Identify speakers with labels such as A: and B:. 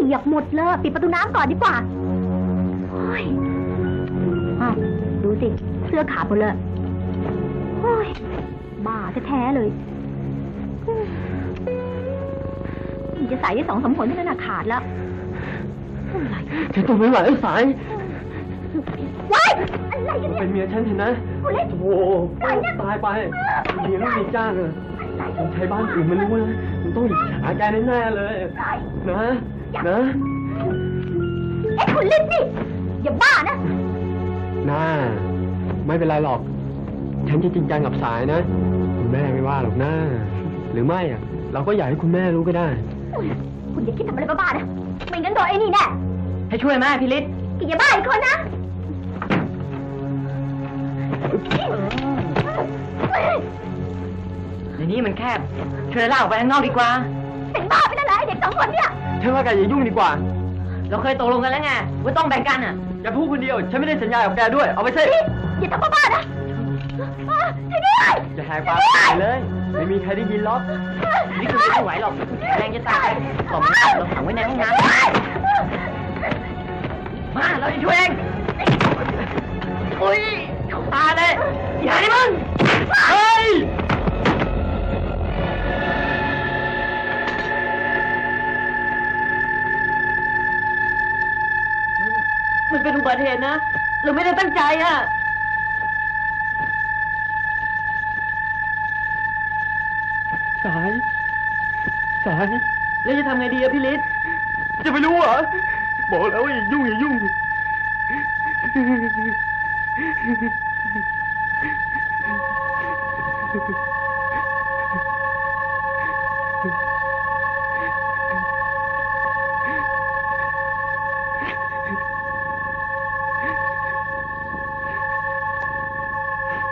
A: ปียกหมดเลยปิดประตูน้ำก่อนดีกว่าโอ้ยอ้าวดูสิเสื้อขาดหมดเลยโอ้ยบ้าแท้ๆเลยจะใส่ได้2-3 ผลเท่านั้นขาดแล้วอะไร
B: ฉันทนไม่ไหวสาย
A: ว้ายอะไรกันเนี่ย
B: เป็นเมียฉันเห็นนะโอ้โหตายไปเมียไม่มีจ้างเลยผมใช้บ้านอื่นมันรู้นะมันต้องอิจฉาแกแน่ๆเลยนะ
A: คุณลิ้นนี่อย่าบ้านะ
B: น่าไม่เป็นไรหรอกฉันจะจริงจังกับสายนะคุณแม่ไม่ว่าหรอกนะหรือไม่อะเราก็อยากให้คุณแม่รู้ก็ได้
A: คุณอย่าคิดทำอะไรบ้าๆนะไม่งั้นโดนไอ้นี่แน่
B: ให้ช่วยแม่พี่ฤทธิ์
A: อย่าบ้าอีกคนนะ
C: ในนี้มันแคบเชิญเล่าไปข้างนอกดีกว่า
A: เป็นบ้าไปแล้วเหรอเด็ก2 คนเนี่ย
B: ฉันว่าแกอย่ายุ่งดีกว่า
C: เราเคยตกลงกันแล้วไงว่าต้องแบ่งกันอ่ะ
B: อย่าพูดคนเดียวฉันไม่ได้สัญญากับแกด้วยเอาไปสิ
A: อย่าทำบ้าๆนะช่วยด้วย
B: อย่าแหกปากเลยไม่มีใครได้ยินหรอก
C: นี่คือไม่ไหวหรอกแรงจะตายหลบเราขังไว้ในห้องน้ำมาเราจะช่วยเองอุ้ยตาเลยอย่าให้มึง
B: เฮ้ย
C: มันเป็นอุบัติเหตุนะเราไม่ได้ตั้งใจอ่ะ
B: สาย
C: แล้วจะทำไงดีอะพี่ฤทธิ์
B: จะไปรู้เหรอบอกแล้วอย่ายุ่ง